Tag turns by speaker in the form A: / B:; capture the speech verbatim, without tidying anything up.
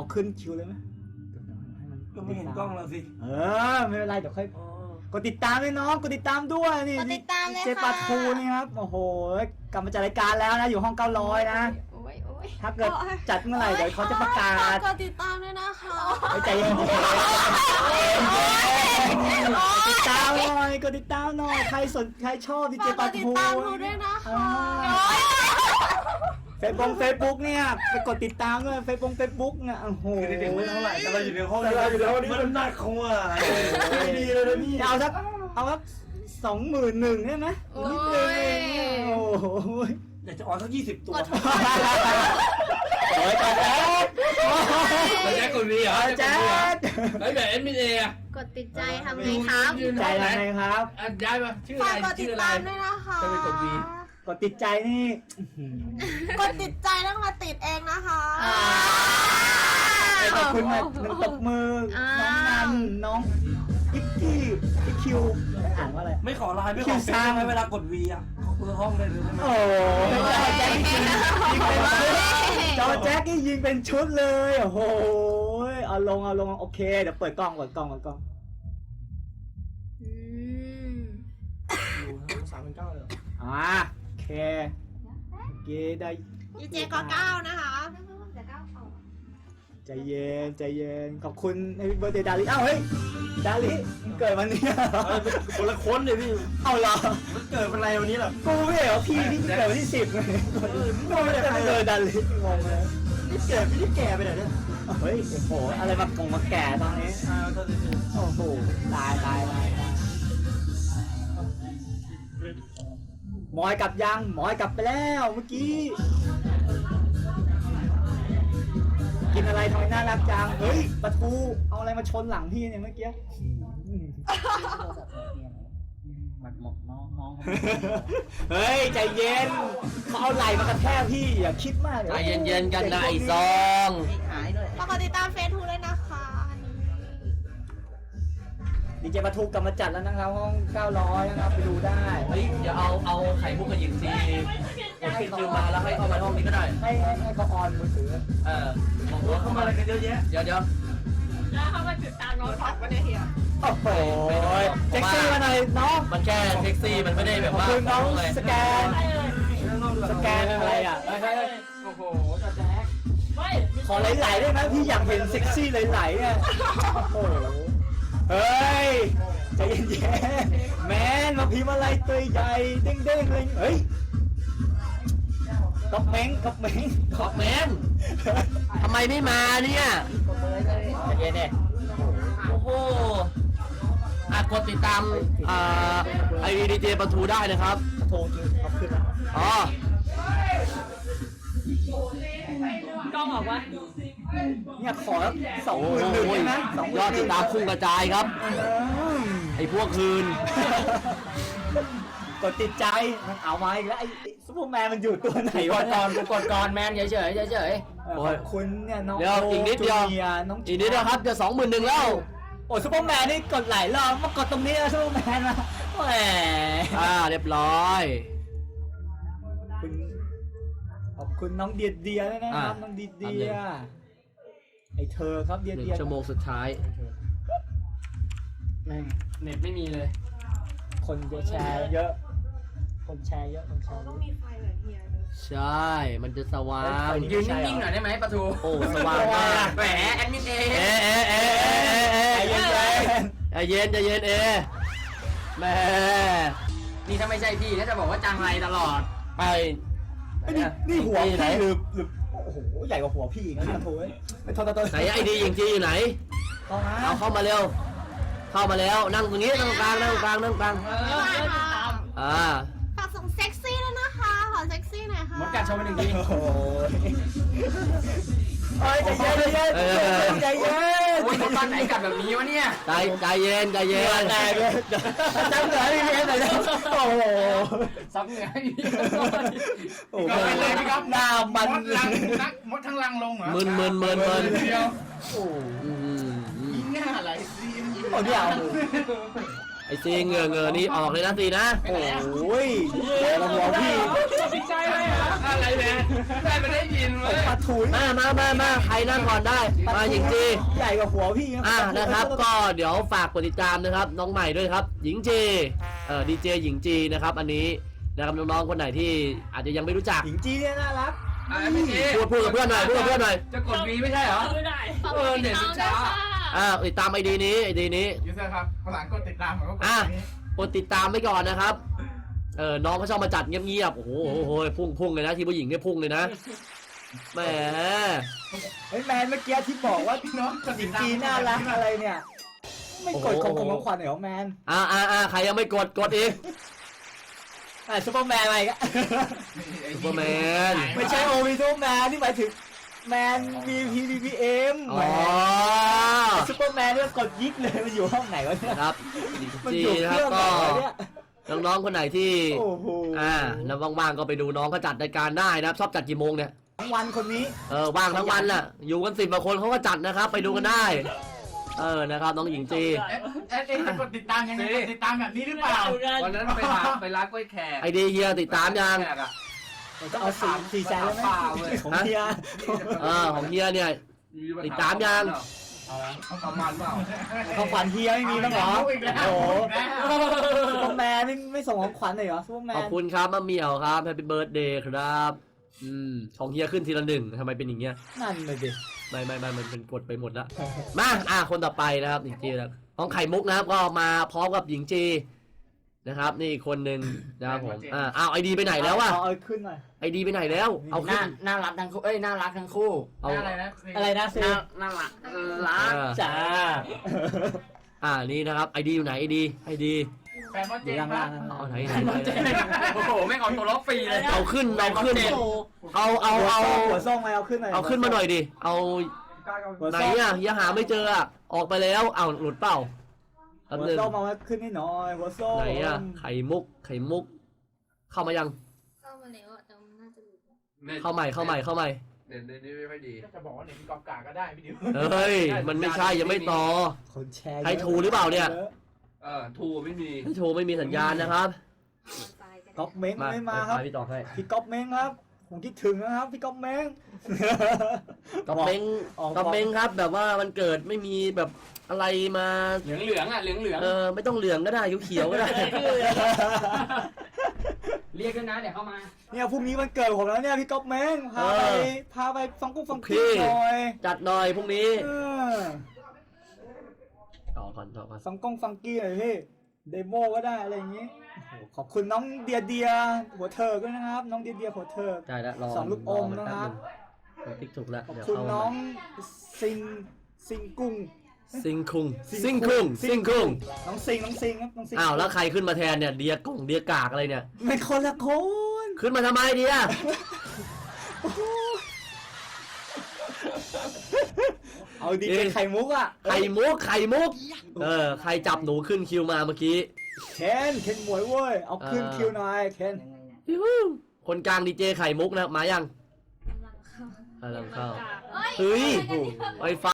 A: เอาขึ้นคิวเลยไหม
B: ก็ไม่เห็นกล้องเราสิ
A: เออไม่เป็นไรเดี๋ยวค่อยกดติดตามด้วยน้องกดติดตามด้วยนี่
C: กดติดตามเลยค่ะ
A: เจปาทูนี่ครับโอ้โหกลับมาจัดรายการแล้วนะอยู่ห้องเก้าร้อยนะถ้าเกิดจัดเมื่อไหร่เดี๋ยวเขาจะประกาศ
C: กดติดตามด้วยนะคะ
A: ไปใจเย็นๆกดติดตามหน่อยกดติดตามหน่อยใครสนใครชอบดีเจปาทู
C: กดติดตามหนูด้วยนะคะ
A: เฟซบุ๊กเฟซบุ๊กเนี่ยไปกดติดตามด้วยเฟซบุ๊กเฟซบุ๊กเนี่ยโอ้โห
B: คือเด็กๆไม่เท่าไหร่แต่เราอยู่ในห้องเราอยู่ในห้องนี้มันหนักขวาไม่ดีเลยนะพี่
A: เอาสักเอาสักสองหมื่นหนึ่งได้ไหมนิดนึงโอ้โห
B: อยากจะออนสักยี่สิบตัว
A: โอ้ยตาแจ๊ด
D: แจ็คกดวีเหรอ
A: แจ๊ด
D: แล้วแบบเอ็มบีเออะ
C: กดติดใจทำไงครับ
A: ใจยังไงครับ
D: อ่ะย้ายมาชื่ออะ
C: ฝาก
D: ไร
C: กดติ
D: ชื่
C: ด
D: ออะไร
C: ตามด้วยนะคะ
D: จะไปกดวี
A: กดติดใจนี่
C: กดติดใจต้องมาติดเองนะคะ
A: ขอบคุณมากหนึ่งตบมือน้องนันน้องอิกกี้อิกคิวอ่านว่าอะไร
B: ไม่ขอไลน์ไม่ขอเฟซไหมเวลากดวีอ่ะขอเบอร์ห้องได้เลยใช่ไหม
A: โอ้แจ๊คยิงยิงเป็นจอแจ๊คนี่ยิงเป็นชุดเลยโอ้โหเอาลงเอาลงโอเคเดี๋ยวเปิดกล้องเปิดกล้องเปิดกล้อง
C: อืม
B: อยู่สามพันเก้าเลย
A: อ่าโอเคโอเคได้
C: ดีเจก็เก้านะคะ
A: ใจเย็นใจเย็นขอบคุณในเบอร์เดย์ดาริอ้าวเฮ้ยดาริเกิดวันนี้
B: คนละคนเลยพี่
A: เอาเหรอ
B: มันเกิดเป็นไรวันนี้หรอ
A: กูไม่เหรอพี่พี่เกิดวันที่สิบไงกูไม่ได้เจอดาริงงเลย
B: นี่เกิดพี่ที่แก่ไปไหนเนี่ย
A: เฮ้ยโอ้โหอะไรมากงมาแก่ตอนนี้
B: อ่าตอนนี้
A: โอ้โหตายตายตายหมอยกลับยังหมอยกลับไปแล้วเมื่อกี้กินอะไรทำไมน่ารักจังเฮ้ยปลาทูเอาอะไรมาชนหลังพี่เนี่ยเมื่อกี้
D: มันหมดน้องน้อง
A: เฮ้ยใจเย็นเขาเอาไหล่มากระแทกพี่อย่าคิดมาก
D: ใจเย็นๆกันนะไอ้ซอง
C: ฝากกดติดตามเฟซทูด้วยนะคะ
A: ดีเจปลาทูกลับมาจัดแล้วนะครับห้องเก้าร้อยนะครับไปดูได้
D: เฮ้ยเดี๋ยวเอาเอาไข่มุกกับหญิงซีกดปิดคิวมาแล้วให้เข้ามาห้องนี้ก็ได้
A: ให้ให้ให้เขาออนมือถือ
D: เออบอก
B: รถ
D: ว่า
B: เข้า
D: เข้า
B: มา
D: มา
B: อะไรกันเยอะแยะ
D: เดี๋ยวเดี๋ยว
E: แล้วเขามาติดตามน้องท็อปก็ได้เฮีย
A: โอ้โหเซ็กซี่มาหน่อยน้อง
D: มันแค่เซ็กซี่มันไม่ได้แบบ
A: ขอบ
D: ว่า
A: คุณน้อง
D: เลย
A: สแกนสแกนอะไรอ่ะ
E: โอ้โหจอแจ๊กไม่
A: ขอไหลๆได้ไหมพี่อยากเห็นเซ็กซี่ไหลๆอ่ะโอ้โหเฮ้ยใจเย็นๆแมนมาพิมพ์อะไรตัวใหญ่เด้งๆเลยเฮ้ยก๊อกเม้งก๊อกเม้ง
D: ขอบแมนทำไมไม่มาเนี่ย
A: ใจเย็นเนี่ย
D: โอ้โหอ่ะกดติดตามอ่าไอดีเจปะทูได้นะครับ
A: โทรคือเอาขึ้นมา
D: อ๋อ
E: กล้องออกวะ
A: เนี่ยขอสอง
D: โอ้
A: หมื่นหนึ่งได้ไหมสองห
D: ย
A: มื่
D: อน ด
A: ห
D: ติ
A: นึ่
D: ด
A: ง
D: ตามพุ่งกระจายครับ ไอพวกคืน
A: กดติดใจมันเอามาอีกแล้วไอ้ซุปเปอร์แมนมันอยู่ตัวไหน
D: ก
A: วะ
D: ดก่อนกูกดก่อนแมนเฉยเฉยเฉยเฉย
A: ขอบคุณเนี่ยน้อง
D: เดี๋ยวอีกนิดเดียว
A: จูนีร์น้อง
D: อีกนิดนะครับจะสองหมื่นหนึ่งแล้ว
A: โอ้ซุปเปอร์แมนนี่กดหลายรอบมากดตรงนี้แล้วซุปเปอร์แมนมาแหม
D: อ่าเรียบร้อย
A: คุณขอบคุณน้องเดียเดียด้วยนะครับน้องเดียเดียไอเธอครับเดีย
D: หนึ่ง
A: เดีย
D: ชั่วโมงสุดท้าย
A: แม่ง
D: เน็ตไม่มีเลย
A: คนจะแชร์เยอะ คนแชร์เยอะคนแชร์เย
E: ต้อง
A: อะ
E: มีไฟแบบเฮียด้วย
D: ใช่ มันจะสว่าง
A: ยืนนิ่งๆหน่อยได้ไหม
D: ประตูโอ้สว่างมาก
A: แหมแอดมินเอ
D: เอ๊ะเอ๊ะเอ๊ะเอ๊ะเอ๊ะ
A: ใจเย็น
D: ใจเย็นใจเย็นเอแม่
F: นี่ถ้าไม่ใช่พี่ถ้าจะบอกว่าจังไรตลอด
D: ไป
A: ไอ้นี่นี่หัว
D: ที่
A: พี่
D: ไหน
A: หรือหรือโอ้โหใหญ่กว่าหัวพี่อีกนะพี่โถ่ไม่โทษโทษโทษ
D: ไหนไอดียิงจีอยู่ไหน
A: เอามา
D: เอาเข้ามาเร็ว เข้ามาแล้วนั่งตรงนี้นั่งตรงกลางนั่งตรงกลางนั่งตรงกลาง
E: เออเพื่อนติดตาม
D: อ่า
C: ฝากส่งเซ็กซี่ด้วยนะคะขอเซ็กซี่หน่อยค่ะ
F: มดกัดโชว์ไปหนึ่งที
A: โอ้โหเอ้ยใจเย็นใจเย็นใจเย็น
F: โอ้ยมดบ้านไหนกัดแบบนี้วะเนี่ย
D: ใจใจเย็นใจ
A: เห
D: เย็
A: งื่อน แตกเลยจังเหนือพี่เพี้ยนหน่อยนะโอ้โห
F: ซับเหงื่อให้พี่
A: โอ้โหหน้ามัน
B: มดลังนักมดทั้งลังลงเหรอ
D: มึนมึนมึนมึน
B: เดียว
A: โอ้
D: อืมอืม
B: หน้าอะไรซีม
A: โหเนี่ย
D: ไอซีเหงื่อเหงื่อนี่ออกเลยนะซีนะ
A: โอ้ยแกหัวพี่
E: ติดใจเลยอ่ะ
F: อ่ะอะไรแมนแมนไม่ได้ยิน
A: ผ
F: เว้
A: ม
F: ย
A: ปลาทูนี่
D: มามามามาใครนั่งก่อนได้มาหญิงจี
A: ใหญ่กว่าหัวพี่
D: อ่านะครับก็เดี๋ยวฝากกดติดตามนะครับน้องใหม่ด้วยครับหญิงจีเอ่อดีเจหญิงจีนะครับอันนี้นะครับน้องๆคนไหนที่อาจจะยังไม่รู้จัก
A: หญิงจีเนี่ยน่ารัก
F: อ่ะพี่จี
D: พูดพูดกับเพื่อนหน่อยพูดกับเพื่อนหน่อย
F: จะกดวีไม่ใช่เหรอ
E: ไม่ได้
F: เออเน็ตมันช้า
D: อ่าติดตามไอดีนี้ไอดีนี้
G: ยูเซอร์ครับภาษาอังกฤษติดตามผมก็กด
D: อ่ะ
G: ตรงนี้
D: กดติดตามไว้ก่อนนะครับเออน้องเขาชอบมาจัดเงียบๆโอ้โหโอ้โหพุ่งพุ่งเลยนะทีมผู้หญิงเนี่ยพุ่งเลยนะแหม
A: เฮ้ยแมนเมื่อกี้ที่บอกว่า
G: พี่น้องกด
A: ห
G: ติ
A: ญิ
G: ด
A: ง
G: ตาม
A: จีน่ารักอะไรเนี่ยไม่กดของของขวัญเหรอแมน
D: อ่าอ่าอ่าใครยังไม่กดกดอีก
A: อ่ะซูเปอร์แมนอะไรกัน
D: ซูเปอร์แมน
A: ไม่ใช่โอวีซูเปอร์แมนนี่หมายถึงแมนมีพีพีพีเอ็ม
D: อ๋อ
A: ซูเปอร์แมนเนี่ยกดยิกเลยมันอยู่ห้องไหนวะเนี่ย
D: ครับหญิง
A: มัน
D: จี
A: อยู่
D: นะ
A: เค
D: ครับ
A: รื่องไหน
D: ก็
A: วะเนี่ย
D: น้องๆคนไหนที่
A: โอ้โห
D: อ่าแล้วว่างๆก็ไปดูน้องเขาจัดรายการได้นะครับชอบจัดกี่โมงเนี่ย
A: ทั้งวันคนนี้
D: เออว่างทั้งวันน่ะอยู่กันสิบกว่าคนเขาก็จัดนะครับ ไปดูกันได้ เออนะครับน้องหญิงจี
G: เอ๊ะเอ๊ะเอ๊ะจะกดติดตามยังไงกดติดตามแบบนี้หรือเปล่า
F: วันนั้นไปร้านไปร้านกล้วยแขก
D: ไอเดียเฮียติดตามยัง
F: แขกอะ
A: จะเอาสี่สี่แสนแล้วไหม
F: เปล่าเว้ย
A: ของเฮีย
D: เออของเฮียเนี่ย ติดตามยัง
F: เขาประมาณเปล่า
A: ของขวัญเฮียไม่มีบ้างเหรอ
G: เอาอีกแล้ว
A: โอ้โห
G: เอาอีกแล้ว
A: ซูเปอร์แมนไม่ไม่ส่งของขวัญเลยเหรอซูเปอร์แม
D: ขอบ
A: น
D: คุณครับมะเหมี่ยวครับแฮปปี้เบิร์ดเดย์ครับอืมของเฮียขึ้นทีละหนึ่งทำไมเป็นอย่างเงี้ย
A: นั่นเลยดิ
D: ไม่ไม่ไม่มันเป็นกดไปหมดแล้วมาอ่ะคนต่อไปนะครับหญิงจีนะครับน้องไข่มุกนะครับก็มาพร้อมกับหญิงจีนะครับนี่อีกคนหนึ่งนะครับผมอ่าเอาไอดีไปไหนแล้ววะ
A: เอาเอาขึ้นหน่อย
D: ไอดีไปไหนแล้วเอา
F: ห
D: ขึ้
F: น้าน น่ารักทั้งคู่เอ้ยน่ารักทั้งคู่
D: เอา
G: อะไรนะ
A: อะไรนะซี
F: น่าน่ารักรัก
D: อ่า
A: จ้า
D: อ่านี่นะครับไอดีอยู่ไหนไอดีไอดี
G: แฟนมอ
A: อ
G: เจ
A: ยู่
G: น
A: ล่าง
G: ครั
A: ล่า
G: บ
A: ง
D: เอาไหนไหนไหน
F: โอ้โหไม่เอาตัวล็อกฟรีเลย
D: เอาขึ้นเอาขึ้นเอาเอาเอา
A: หัวส้มมาเอาขึ้นหน่อย
D: เอาขึ้นมาหน่อยดิเอา
A: หัว
D: ไหน
A: ส้ม
D: อ่ะยังหาไม่เจออ่ะออกไปแล้วเอาหลุดเปล่าแป๊บ
A: หัว
D: นึง
A: ส้มมาขึ้นให้หน่อยหัวส้ม
D: ไหนอ่ะไข่มุกไข่มุก เข้ามายัง
C: เข้ามาแล้วอะแต่มันน่าจะหลุด
D: เข้าใหม่เข้าใหม่เข้าใหม่
F: เดี๋ยวเดี๋ยวนี้ไม่ค่อยดี
G: ก็จะบอกว่าเนี่ยมีกองกาก็ได้พี่ดิว
D: เฮ้ยมันไม่ใช่ยังไม่ต่อ
A: คนแชร์
D: ให้ทูหรือเปล่าเนี่ย
F: เออทูไม่มี
D: โชว์ไม่มีสัญญาณนะครับ
A: ก๊อปเม้งไม่มาครับ
D: ไปพี่ต่อให้
A: พี่ก๊อปเม้งครับผมคิดถึงนะครับพี่ก๊อปเม้ง
D: กระเม้ง
A: ออก
D: กระเม้งครับ แบบว่ามันเกิดไม่มีแบบอะไรมา
F: เหลืองเหลืองอ่ะเหลืองเหลือง
D: เออไม่ต้องเหลืองก็ได้เขียวๆก็ได้
F: เรียกด้วยนะเดี๋ยวเข้ามา
A: เนี่ยพรุ่งนี้วันเกิดผมแล้วเนี่ยพี่ก๊อปเม้งพาไป
D: เออ
A: พาไปฟังกุ้งฟัง
D: พี่
A: กี้หน่อย
D: จัดหน่อยพรุ่งนี้
A: เออ
D: ต่อก่อนต่อก่อน
A: ฟังกุ้งฟังกี้หน่อยพี่เดโมก็ได้อะไรอย่างงี้โอ้โหขอบคุณน้องเดียเดียหัวเถิกด้วยนะครับ น้องเดียเดียหัวเถิก
D: ได้แล้วรอ
A: สองลูกอมนะครับ
D: รอติ๊กถูกแล้ว
A: ขอบ
D: เดี๋ยว
A: คุณ
D: เข้า
A: น้องซิงซิงกุ้ง
D: ซิงคุงซิงคุงซิงคุง
A: น้องซิงน้องซิงครับน้องซิง
D: อ้าวแล้วใครขึ้นมาแทนเนี่ยเดียกล่องเดียกากอะไรเนี่ย
A: ไม่คนละคน
D: ขึ้นมาทำไมเดีย
A: เอาดีเป็นไข่มุกอ่ะ
D: ไข่มุกไข่มุกเออใครจับหนูขึ้นคิวมาเมื่อกี้
A: เคนเคนหมวยเว้ยเอาขึ้น
D: อ่า
A: คิวหน่อยเคน
D: ยูฮูคนกลางดีเจไข่มุกนะมายัง
C: กำลังเข้า
D: กำลังเข้า
C: เฮ้ย
D: เฮ้ยไฟฟ้า